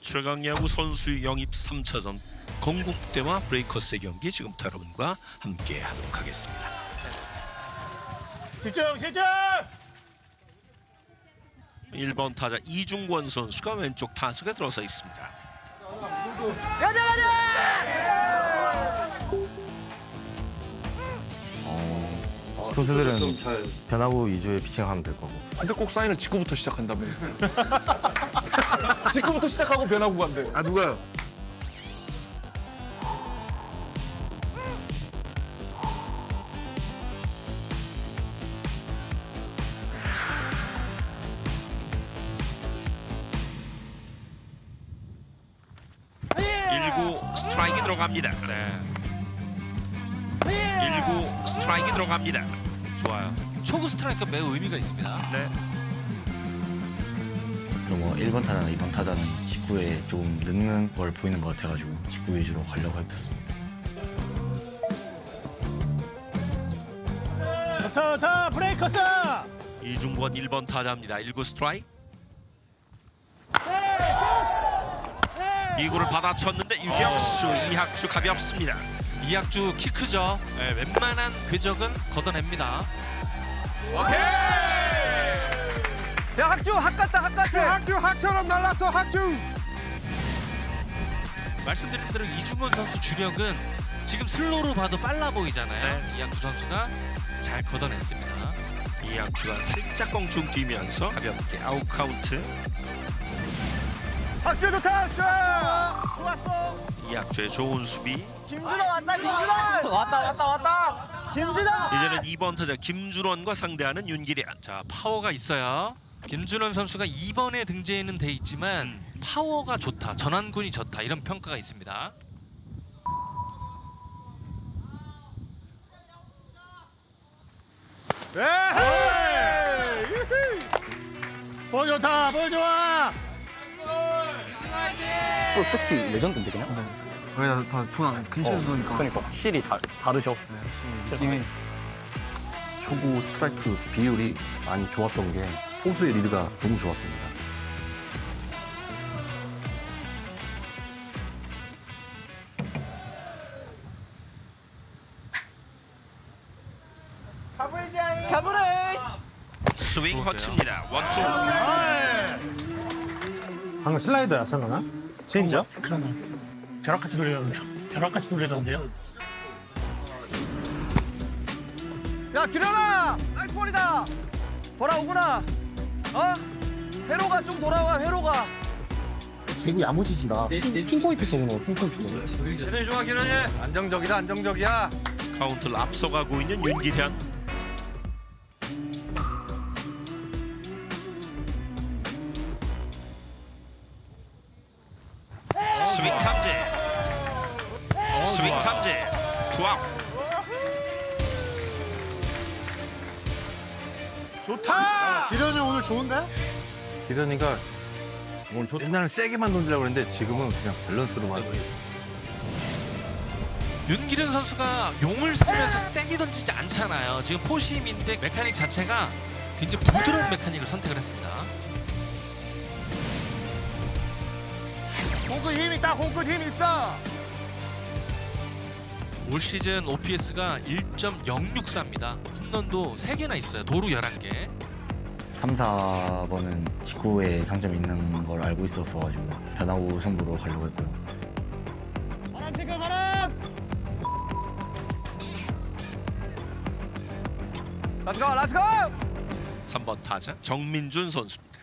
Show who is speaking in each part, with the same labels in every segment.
Speaker 1: 최강야구 선수 영입 3차전 건국대와 브레이커스의 경기 지금부터 여러분과 함께 하도록 하겠습니다.
Speaker 2: 집중!
Speaker 1: 1번 타자 이중권 선수가 왼쪽 타석에 들어서 있습니다.
Speaker 3: 투수들은 변화구 위주의 피칭하면 될 거고.
Speaker 4: 근데 꼭 사인을 직구부터 시작한다며. 직구부터 시작하고 변화구가 안 돼.
Speaker 2: 아 누가요?
Speaker 1: 스트라이크 들어갑니다. 네. 1구 스트라이크 들어갑니다. 좋아요.
Speaker 5: 초구 스트라이크가 매우 의미가 있습니다.
Speaker 1: 네.
Speaker 3: 그리고 뭐 1번 타자나 2번 타자는 직구에 조금 늦는 걸 보이는 것 같아가지고 직구 위주로 가려고 했었습니다.
Speaker 2: 좋다 브레이커스!
Speaker 1: 이중권 1번 타자입니다. 1구 스트라이크. 2구를 받아쳤는데 이학주 가볍습니다.
Speaker 5: 이학주 키 크죠. 네, 웬만한 궤적은 걷어냅니다.
Speaker 6: 야 학주 학 같다 학 같아.
Speaker 2: 학처럼 날랐어 학주!
Speaker 5: 말씀드린 대로 이중원 선수 주력은 지금 슬로우로 봐도 빨라 보이잖아요.
Speaker 1: 네.
Speaker 5: 이학주 선수가 잘 걷어냈습니다.
Speaker 1: 이학주가 살짝 껑충 뛰면서 가볍게 아웃 카운트.
Speaker 2: 학주 좋다 학주! 좋았어!
Speaker 1: 이학주의 좋은 수비.
Speaker 6: 김준호 왔다 김준호. 왔다. 김준호.
Speaker 1: 이제는 2번 타자 김준원과 상대하는 윤기련.
Speaker 5: 자, 파워가 있어요. 김준원 선수가 2번에 등재는 돼 있지만 파워가 좋다, 전완군이 좋다 이런 평가가 있습니다.
Speaker 2: 볼 좋다 볼 좋아!
Speaker 7: 끝이 레전드인데 그냥?
Speaker 6: 그래 다 좋아. 근처에서 보니까.
Speaker 7: 그러니까 확실히 다르죠.
Speaker 3: 느낌이 초구 스트라이크 비율이 많이 좋았던 게 포수의 리드가 너무 좋았습니다.
Speaker 1: 스윙 허치입니다. 원투.
Speaker 2: 방금 슬라이더야 설마? 체인지업? 그러면 벼락같이 돌리던데요?
Speaker 6: 야 기련아 나이스 볼이다. 돌아오구나. 어? 회로가 좀 돌아와 회로가.
Speaker 7: 제구 야무지지다. 핀포인트 쏘는 거 핀포인트.
Speaker 6: 기련이 좋아 기련이. 안정적이다 안정적이야.
Speaker 1: 카운트를 앞서가고 있는 윤기련. 스윙 삼진. 스윙 삼진. 투아웃.
Speaker 2: 좋다! 기련이 오늘 좋은데?
Speaker 3: 기련이가 오늘 옛날에 세게만 던지려고 했는데 지금은 그냥 밸런스로만.
Speaker 5: 윤기련 선수가 용을 쓰면서 세게 던지지 않잖아요. 지금 포심인데 메카닉 자체가 굉장히 부드러운 메카닉을 선택을 했습니다.
Speaker 6: 공끝 힘 있다 공끝 힘 있어.
Speaker 5: 올 시즌 OPS가 1.064입니다. 홈런도 3개나 있어요. 도루 11개.
Speaker 3: 3, 4번은 직구에 장점이 있는 걸 알고 있었어가지고 변화구 승부로 가려고 했고요.
Speaker 6: 렛츠고
Speaker 1: 3번 타자 정민준 선수입니다.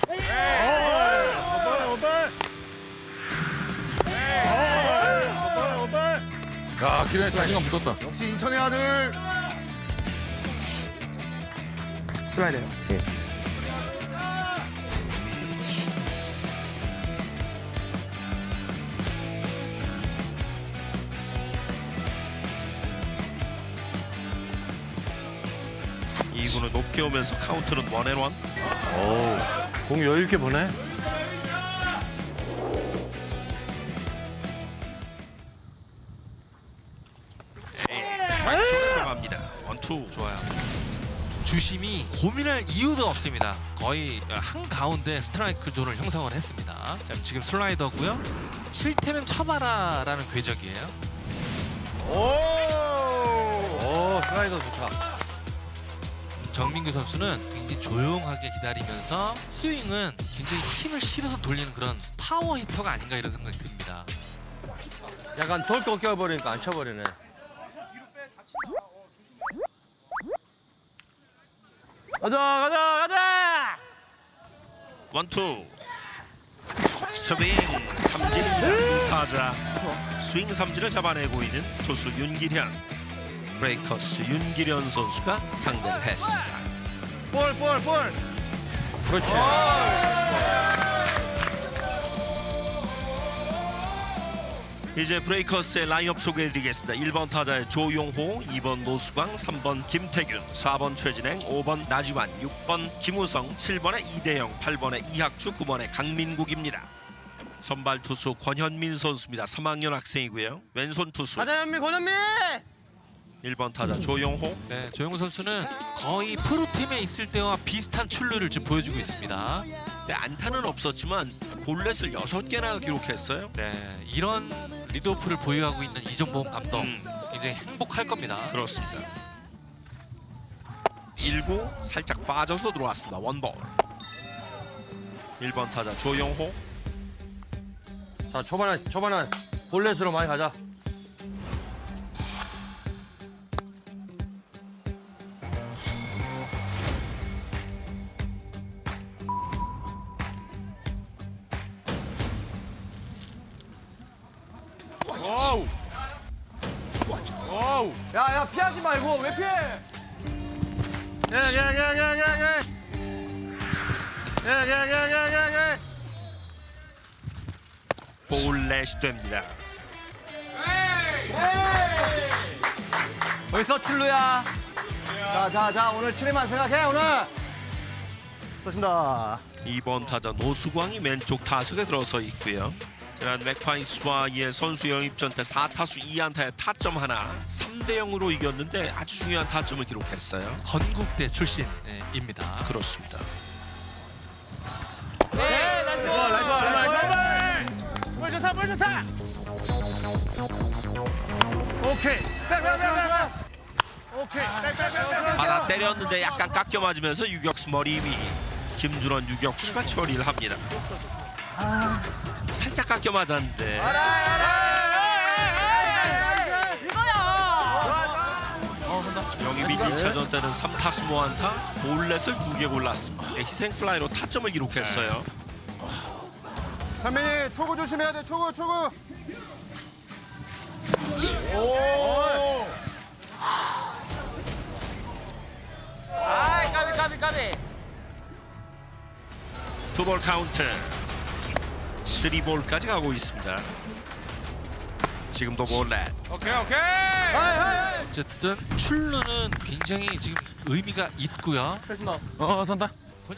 Speaker 4: 야, 기련이 자신감 붙었다.
Speaker 6: 역시 인천의 아들.
Speaker 7: 슬라이드. 예.
Speaker 1: 이구는 높게 오면서 카운트는 원앤원.
Speaker 3: 공 여유 있게 보네.
Speaker 1: 스트라이크 들어갑니다. 원투.
Speaker 5: 좋아요. 주심이 고민할 이유도 없습니다. 거의 한가운데 스트라이크 존을 형성을 했습니다. 자, 지금 슬라이더고요. 칠테면 쳐봐라라는 궤적이에요.
Speaker 6: 오, 슬라이더 좋다.
Speaker 5: 정민규 선수는 굉장히 조용하게 기다리면서 스윙은 굉장히 힘을 실어서 돌리는 그런 파워 히터가 아닌가 이런 생각이 듭니다.
Speaker 6: 약간 덜컥 껴버리니까 안 쳐버리네. 가자!
Speaker 1: 원투 스윙 삼진입니다. 타자 스윙 삼진을 잡아내고 있는 투수 윤기련. 브레이커스 윤기련 선수가 상대를 했습니다.
Speaker 6: 그렇지.
Speaker 1: 이제 브레이커스의 라인업 소개해드리겠습니다. 1번 타자의 조용호, 2번 노수광, 3번 김태균, 4번 최진행, 5번 나지완, 6번 김우성, 7번에 이대영, 8번에 이학주, 9번에 강민국입니다. 선발 투수 권현민 선수입니다. 3학년 학생이고요. 왼손 투수
Speaker 6: 가자, 현미, 권현미!
Speaker 1: 1번 타자 조용호.
Speaker 5: 네, 조용호 선수는 거의 프로팀에 있을 때와 비슷한 출루를 지금 보여주고 있습니다.
Speaker 1: 네, 안타는 없었지만 볼넷을 6개나 기록했어요.
Speaker 5: 네, 이런 리드오프를 보유하고 있는 이정범 감독 굉장히 행복할 겁니다.
Speaker 1: 그렇습니다. 1구 살짝 빠져서 들어왔습니다. 원볼. 1번 타자 조용호.
Speaker 6: 자, 초반에 볼넷으로 많이 가자. 오우! 오우! 야, 피하지 말고 왜 피해?
Speaker 1: 볼넷이 됩니다.
Speaker 6: 벌써 출루야. 자, 오늘 7회만 생각해, 오늘.
Speaker 2: 그렇습니다.
Speaker 1: 2번 타자 노수광이 왼쪽 타석에 들어서 있고요. 지난 맥파이스와의 선수 영입 전때 4타수 2안타의 타점 하나 3대 0으로 이겼는데 아주 중요한 타점을 기록했어요.
Speaker 5: 건국대 출신입니다.
Speaker 1: 그렇습니다.
Speaker 2: 볼 좋다. 오케이. 오케이.
Speaker 1: 받아 때렸는데 약간 깎여 맞으면서 유격수 머리 위. 김준원 유격수가 처리를 합니다. 살짝 깎여 맞았는데 영입이 1차전 때는 3타수 무안타 볼넷을 2개 골랐습니다. 희생플라이로 타점을 기록했어요.
Speaker 6: 현민이 초구 조심해야 돼, 초구.
Speaker 8: 아이 까비.
Speaker 1: 투볼 카운트 3볼까지 가고 있습니다. 지금도 볼넷.
Speaker 6: 오케이.
Speaker 5: 어쨌든 출루는 굉장히 지금 의미가 있고요.
Speaker 4: 선다.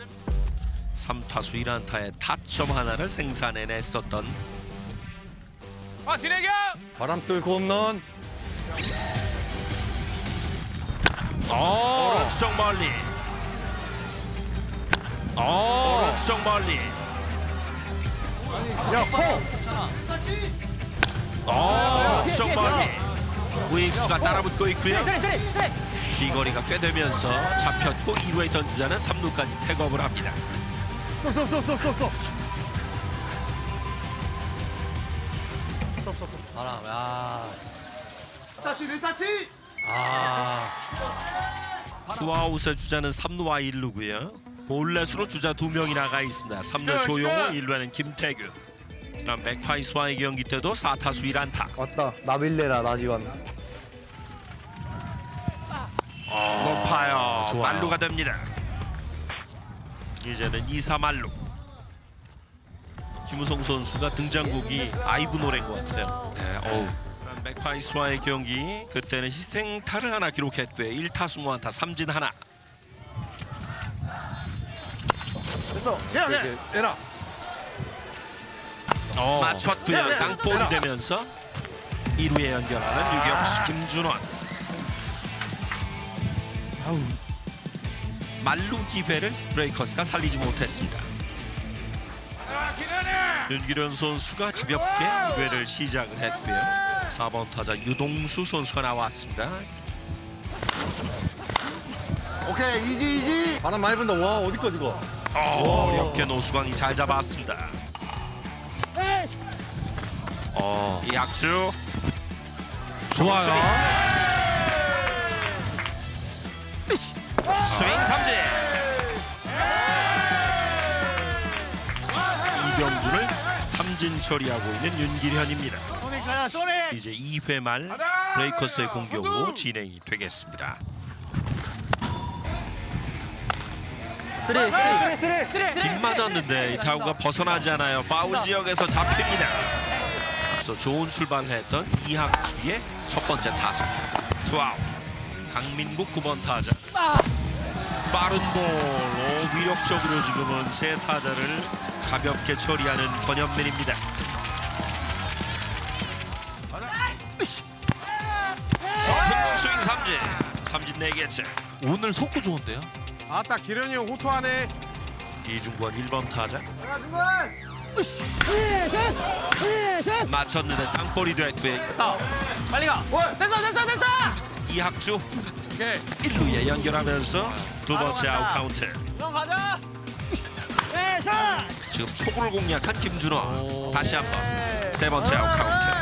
Speaker 1: 3타수 1안타의 타점 하나를 생산해냈었던
Speaker 6: 바람 뚫고 홈런.
Speaker 1: 오른쪽 멀리. 오른쪽 멀리. 오른쪽 멀리. 우익수가 따라붙고 있고요. 비거리가 꽤 되면서 잡혔고 2루에 던지자는 3루까지 택업을 합니다.
Speaker 6: 바람, 야.
Speaker 1: 투아웃의 주자는 3루와 1루고요. 볼넷으로 주자 2명이 나가 있습니다. 3루 조용호, 1루에는 김태균. 지난 맥파이스와의 경기 때도 4타수 1안타.
Speaker 3: 왔다. 나빌레라 나지완.
Speaker 1: 높아요.
Speaker 5: 좋아요.
Speaker 1: 만루가 됩니다. 이제는 2사 만루. 김우성 선수가 등장곡이 아이브 노래인 것 같아요.
Speaker 5: 네,
Speaker 1: 맥파이스와의 경기 그때는 희생타를 하나 기록했고요. 1타수 무안타 3진 하나.
Speaker 2: 됐어.
Speaker 6: 에라.
Speaker 1: 맞췄고요. 땅볼이 되면서 1루에 연결하는 유격수 김준원. 만루 기회를 브레이커스가 살리지 못했습니다. 윤기련 선수가 가볍게 2회를 시작을 했고요. 4번 타자 유동수 선수가 나왔습니다.
Speaker 6: 오케이, 이지. 바람 많이 분다. 와, 어디까지 가?
Speaker 1: 어렵게 노수광이 잘 잡았습니다. 이 악수 좋아요. 스윙 삼진. 이병준을 삼진 처리하고 있는 윤기련입니다.
Speaker 2: 소닉 가야, 소닉.
Speaker 1: 이제 2회 말 브레이커스의 공격으로 진행이 되겠습니다.
Speaker 7: 쓰리.
Speaker 1: 빗 맞았는데 이 타구가 벗어나지 않아요. 파울 지역에서 잡힙니다. 앞서 좋은 출발을 했던 이학주의 첫 번째 타석. 투아웃. 강민국 9번 타자. 빠른 볼. 위력적으로 지금은 세 타자를 가볍게 처리하는 권현민입니다. 스윙 삼진. 삼진 4개째.
Speaker 5: 오늘 속구 좋은데요.
Speaker 4: 아따 기련이 형 호투하네.
Speaker 1: 이중권 1번 타자. 맞췄는데 땅볼이 됐고요.
Speaker 7: 빨리 가. 됐어.
Speaker 1: 이학주
Speaker 4: 오케이.
Speaker 1: 1루에 연결하면서 두 번째 아웃 카운트.
Speaker 6: 형 가자.
Speaker 1: 지금 초구를 공략한 김준호. 다시 한번 세 번째 아웃 카운트.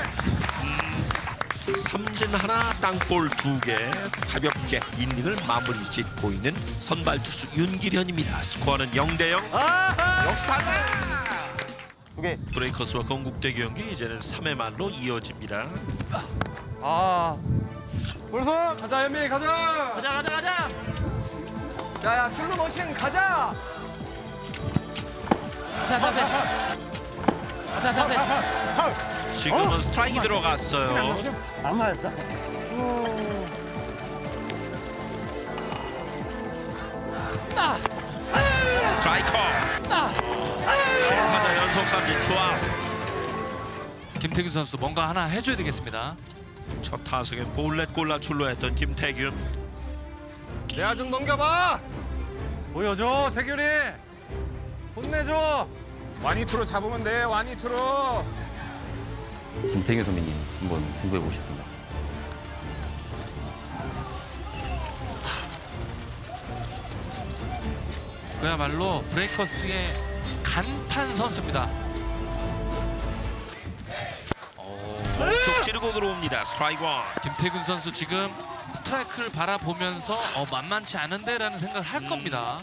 Speaker 1: 삼진 하나, 땅볼 2개. 가볍게 이닝을 마무리 짓고 있는 선발 투수 윤기련입니다. 스코어는 0대0.
Speaker 6: 역시 달라.
Speaker 1: 브레이커스와 건국대 경기 이제는 3회 말로 이어집니다.
Speaker 6: 벌써 가자, 현민이 가자.
Speaker 2: 가자.
Speaker 6: 야야, 출루 머신 가자.
Speaker 1: 지금은 스트라이크 들어갔어요.
Speaker 7: 안 맞았어?
Speaker 1: 스트라이커. 세 타자 연속 삼진 투아웃.
Speaker 5: 김태균 선수 뭔가 하나 해줘야 되겠습니다.
Speaker 1: 첫 타석엔 볼넷 골라 출루했던 김태균.
Speaker 6: 내야 좀 넘겨봐. 보여줘, 태균이. 혼내줘.
Speaker 4: 와니투로 잡으면 돼. 와니투로.
Speaker 8: 김태균 선배님 한번 승부해 보겠습니다.
Speaker 5: 그야말로 브레이커스의 간판 선수입니다.
Speaker 1: 쪽 찌르고 들어옵니다. 스트라이크 원.
Speaker 5: 김태균 선수 지금 스트라이크를 바라보면서 만만치 않은데라는 생각을 할 겁니다.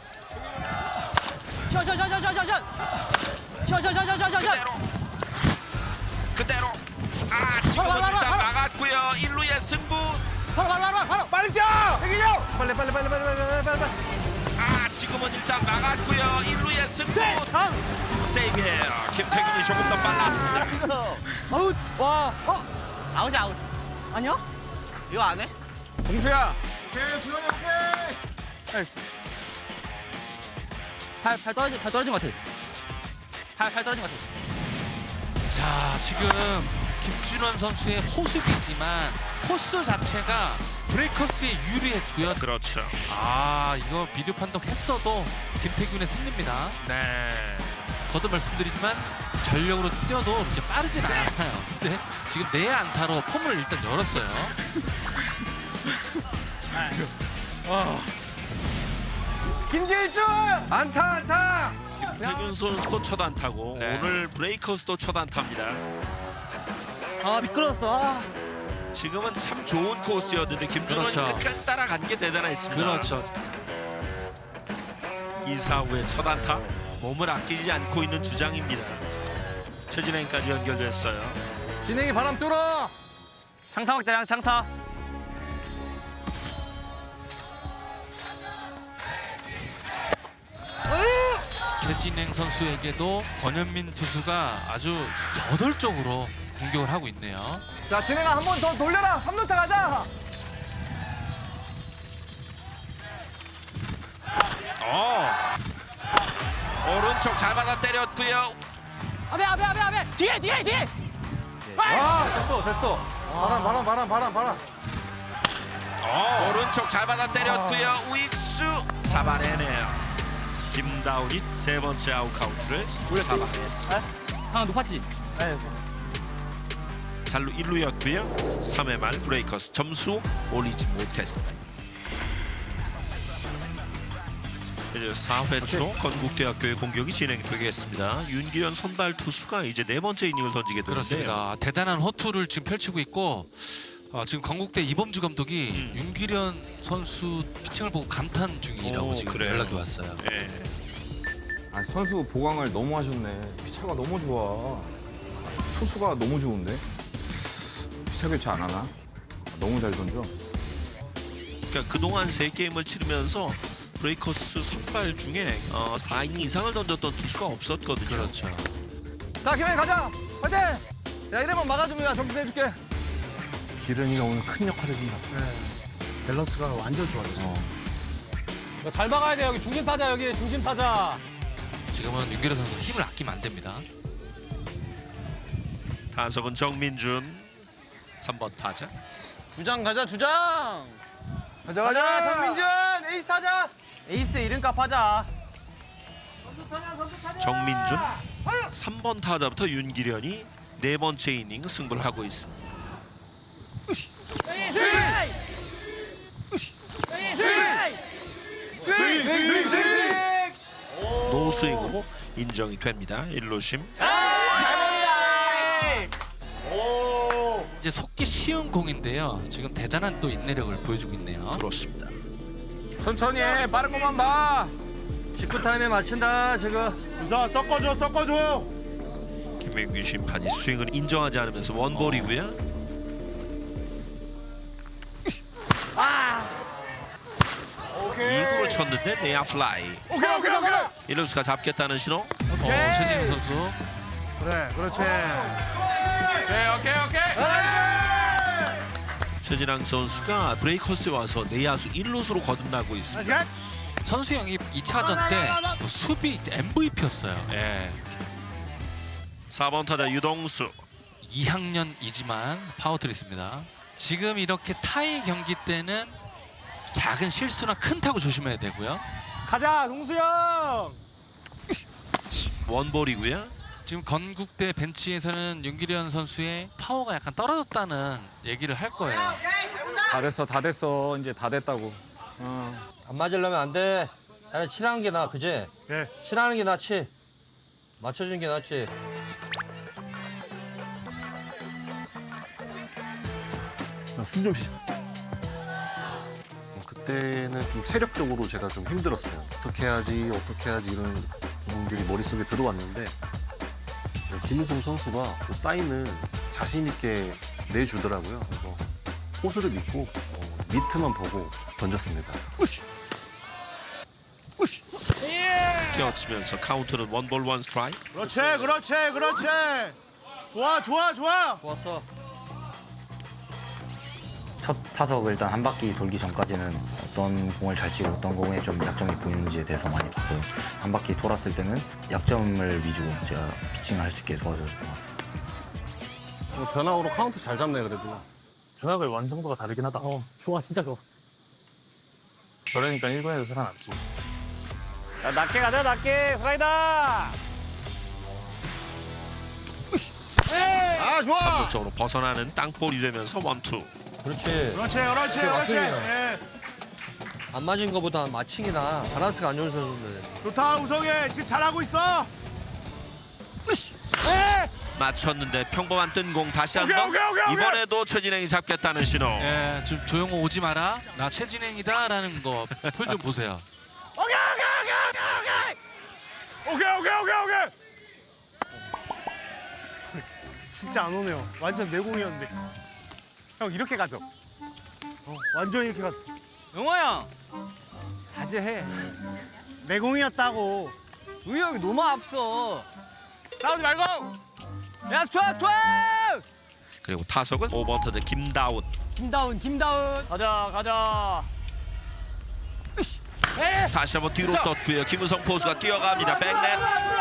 Speaker 1: 그대로. 지금은 일단 나갔고요. 1루의 승부.
Speaker 6: 빨리 뛰어. 태균이 형. 빨리.
Speaker 1: 지금은 일단 나갔고요. 1루의 승부. 세이브예요. 김태균이 조금 더 빨랐습니다.
Speaker 2: 아웃이 아웃.
Speaker 7: 아니야?
Speaker 2: 이거 안 해?
Speaker 6: 공수야.
Speaker 7: 나이스. 팔 떨어진 것 같아. 팔 떨어진 것 같아.
Speaker 5: 자, 지금 김준원 선수의 호흡이지만 코스 자체가 브레이커스에 유리했고요.
Speaker 1: 그렇죠.
Speaker 5: 이거 비디오 판독했어도 김태균의 승리입니다.
Speaker 1: 네.
Speaker 5: 거듭 말씀드리지만 전력으로 뛰어도 그렇게 빠르진 않아요. 근데 지금 내 안타로 폼을 일단 열었어요.
Speaker 6: 김재일준. 안타.
Speaker 1: 김태균 선수도 첫 안타고
Speaker 5: 네.
Speaker 1: 오늘 브레이커스도 첫 안타입니다.
Speaker 7: 미끄러웠어.
Speaker 1: 지금은 참 좋은 코스였는데 김준원이
Speaker 5: 그렇죠.
Speaker 1: 끝까지 따라간 게 대단했습니다.
Speaker 5: 그렇죠.
Speaker 1: 2사후의 첫 안타. 몸을 아끼지 않고 있는 주장입니다. 최진행까지 연결됐어요.
Speaker 6: 진행이 바람 뚫어.
Speaker 7: 장타 막자, 장타.
Speaker 5: 최진행 선수에게도 권현민 투수가 아주 저돌적으로 공격을 하고 있네요.
Speaker 6: 자, 진행아 한 번 더 돌려라. 3루타 가자.
Speaker 1: 오른쪽 잘 받아 때렸고요.
Speaker 7: 아베. 뒤에.
Speaker 6: 됐어. 바람.
Speaker 1: 오른쪽 잘 받아 때렸고요. 우익수 잡아내네요. 김다운이 세 번째 아웃 카운트를 잡아냈습니다.
Speaker 7: 상황 높았지?
Speaker 1: 잘루 1루였고요. 3회 말 브레이커스 점수 올리지 못했습니다. 이제 4회 초 건국대학교의 공격이 진행되겠습니다. 윤기현 선발 투수가 이제 네 번째 이닝을 던지게 되는데요.
Speaker 5: 그렇습니다. 대단한 호투를 지금 펼치고 있고 지금 건국대 이범주 감독이 윤기련 선수 피칭을 보고 감탄 중이라고 지금
Speaker 1: 그래요?
Speaker 5: 연락이 왔어요.
Speaker 1: 예.
Speaker 4: 아, 선수 보강을 너무 하셨네. 피차가 너무 좋아. 투수가 너무 좋은데? 피차 교체 안 하나? 너무 잘 던져.
Speaker 1: 그러니까 그동안 3게임을 치르면서 브레이커스 선발 중에 4이닝 이상을 던졌던 투수가 없었거든요.
Speaker 5: 그렇죠.
Speaker 6: 자, 기련이 가자. 화이팅! 야, 이래만 막아줍니다. 점수 내줄게.
Speaker 3: 기련이가 오늘 큰 역할 해준다.
Speaker 2: 밸런스가 완전 좋아졌어.
Speaker 6: 잘 막아야 돼. 여기 중심 타자, 여기 중심 타자.
Speaker 5: 지금은 윤기련 선수 힘을 아끼면 안 됩니다.
Speaker 1: 타석은 정민준 3번 타자.
Speaker 6: 주장 가자, 주장. 가자, 정민준. 에이스 타자. 에이스 이름값 하자.
Speaker 1: 정민준 3번 타자부터 윤기련이 네 번째 이닝 승부를 하고 있습니다. 노스윙으로 인정이 됩니다. 1루심.
Speaker 5: 이제 속기 쉬운 공인데요. 지금 대단한 또 인내력을 보여주고 있네요.
Speaker 1: 그렇습니다.
Speaker 4: 천천히 해. 빠른 것만 봐.
Speaker 6: 직구 타임에 맞춘다, 지금.
Speaker 2: 우선 섞어줘.
Speaker 1: 김민규 심판이 스윙을 인정하지 않으면서 원볼이고요.
Speaker 2: 오케이.
Speaker 1: 2구를 쳤는데 내야 플라이.
Speaker 2: 오케이.
Speaker 1: 1루수가 잡겠다는 신호.
Speaker 5: 최진영 선수
Speaker 2: 그래, 그렇지.
Speaker 4: 오케이.
Speaker 1: 최진랑 선수가 브레이커스에 와서 내야수 1루수로 거듭나고 있습니다.
Speaker 5: 선수 영입 2차전 때뭐 수비 MVP였어요. 예.
Speaker 1: 4번 타자 유동수.
Speaker 5: 2학년이지만 파워트리스입니다. 지금 이렇게 타이 경기 때는 작은 실수나 큰 타구 조심해야 되고요.
Speaker 6: 가자, 동수 형.
Speaker 1: 원볼이고요.
Speaker 5: 지금 건국대 벤치에서는 윤기련 선수의 파워가 약간 떨어졌다는 얘기를 할 거예요.
Speaker 4: 다 됐어. 이제 다 됐다고.
Speaker 6: 안 맞으려면 안 돼. 차라리 칠하는 게 나아, 그지?
Speaker 2: 네.
Speaker 6: 칠하는 게 낫지. 맞춰주는 게 낫지.
Speaker 3: 순정 씨. 그때는 좀 체력적으로 제가 좀 힘들었어요. 어떻게 해야지 이런 부분들이 머릿속에 들어왔는데 김우성 선수가 그 사인을 자신 있게 내주더라고요. 그래서 포수를 믿고 미트만 보고 던졌습니다.
Speaker 1: 뛰어치면서 카운트는 원볼 원 스트라이크.
Speaker 2: 그렇지.
Speaker 6: 좋았어.
Speaker 9: 첫 타석 일단 한 바퀴 돌기 전까지는 어떤 공을 잘 치고 어떤 공에 좀 약점이 보이는지에 대해서 많이 봤고요. 한 바퀴 돌았을 때는 약점을 위주로 제가 피칭을 할 수 있게 도와줬던 것 같아요.
Speaker 3: 변화으로 카운트 잘 잡네 그래도.
Speaker 10: 변화의 완성도가 다르긴 하다.
Speaker 6: 좋아, 진짜 좋아.
Speaker 10: 저러니까 1군에서 살아남지.
Speaker 2: 자, 낮게 가자, 낮게. 슬라이더.
Speaker 6: 아, 좋아.
Speaker 1: 3루 쪽으로 벗어나는 땅볼이 되면서 원투.
Speaker 6: 그렇지. 예. 안 맞은 거보다 마칭이나 바란스가 안 좋은 선수인데.
Speaker 2: 좋다, 우성이. 지금 잘하고 있어.
Speaker 1: 맞췄는데 평범한 뜬 공 다시 한번. 이번에도 최진행이 잡겠다는 신호.
Speaker 5: 예, 지금 조용호 오지 마라. 나 최진행이다라는 거 표좀 보세요.
Speaker 2: 오케이. 진짜 안 오네요. 완전 내공이었는데. 형, 이렇게 가죠. 완전 이렇게 갔어.
Speaker 6: 영호 형.
Speaker 2: 자제해. 내공이었다고.
Speaker 6: 우이 형이 너무 앞서.
Speaker 2: 싸우지 말고.
Speaker 6: 야, 스트라이크!
Speaker 1: 그리고 타석은 5번 타자 김다운.
Speaker 6: 김다운.
Speaker 2: 가자.
Speaker 1: 다시 한번 뒤로 떴고요. 김우성 포수가 뛰어갑니다. 백넷.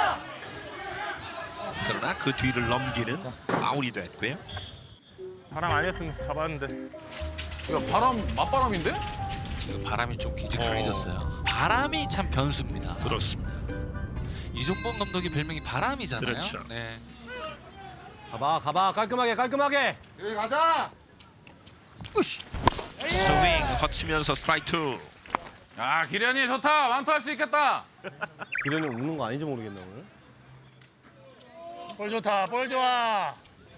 Speaker 1: 그러나 그 뒤를 넘기는 아웃이 됐고요.
Speaker 10: 바람 아니었으면 잡았는데.
Speaker 4: 야, 바람 맞바람인데?
Speaker 5: 지금 바람이 좀 굉장히 강해졌어요. 바람이 참 변수입니다.
Speaker 1: 그렇습니다.
Speaker 5: 이종범 감독이 별명이 바람이잖아요.
Speaker 1: 그렇죠.
Speaker 5: 네.
Speaker 6: 가봐 깔끔하게.
Speaker 1: 스윙 거치면서 스트라이크 2.
Speaker 4: 아 기련이 좋다. 완투할 수 있겠다.
Speaker 3: 기련이 우는 거 아닌지 모르겠네 오늘.
Speaker 2: 볼 좋다, 볼 좋아.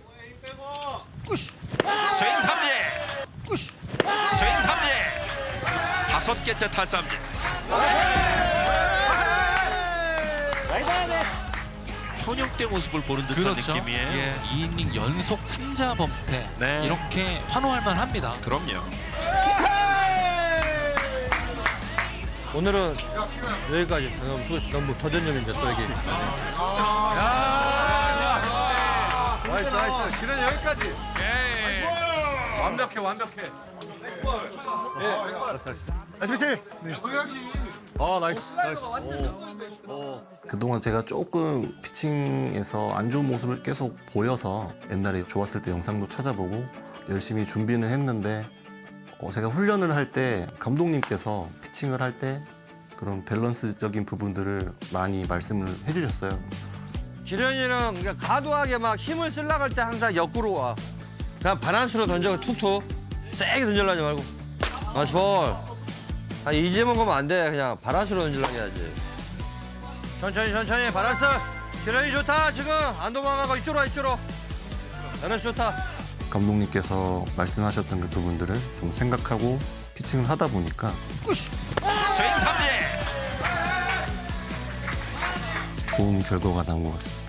Speaker 1: 스윙 삼진. 스윙 삼진. 5개째 탈삼진. 현역대 모습을 보는 듯한
Speaker 5: 그렇죠.
Speaker 1: 느낌이에요.
Speaker 5: 예. 2이닝 연속 3자 범퇴.
Speaker 1: 네.
Speaker 5: 이렇게 환호할 만합니다.
Speaker 1: 그럼요.
Speaker 6: 오늘은 여기까지. 너무 수고했어. 너무 더 던지면 이제 또 여기. 나이스. 기련이 여기까지. 완벽해.
Speaker 2: 나이스 피치.
Speaker 6: 나이스.
Speaker 3: 그동안 제가 조금 피칭에서 안 좋은 모습을 계속 보여서 옛날에 좋았을 때 영상도 찾아보고 열심히 준비는 했는데 제가 훈련을 할 때 감독님께서 피칭을 할 때 그런 밸런스적인 부분들을 많이 말씀을 해주셨어요.
Speaker 6: 기련이는 그러니까 과도하게 막 힘을 쓰려고 할 때 항상 역구로 와. 그냥 바란스로 던져 툭툭. 세게 던지려고 하지 말고. 나이스 볼. 이제 먹으면 안 돼. 그냥 바란스로 던지려고 해야지. 천천히 바란스. 기련이 좋다 지금. 안 도망가고 이쪽으로. 바란스 좋다.
Speaker 3: 감독님께서 말씀하셨던 그 부분들을 좀 생각하고 피칭을 하다 보니까
Speaker 1: 스윙 삼진.
Speaker 3: 좋은 결과가 나온 것 같습니다.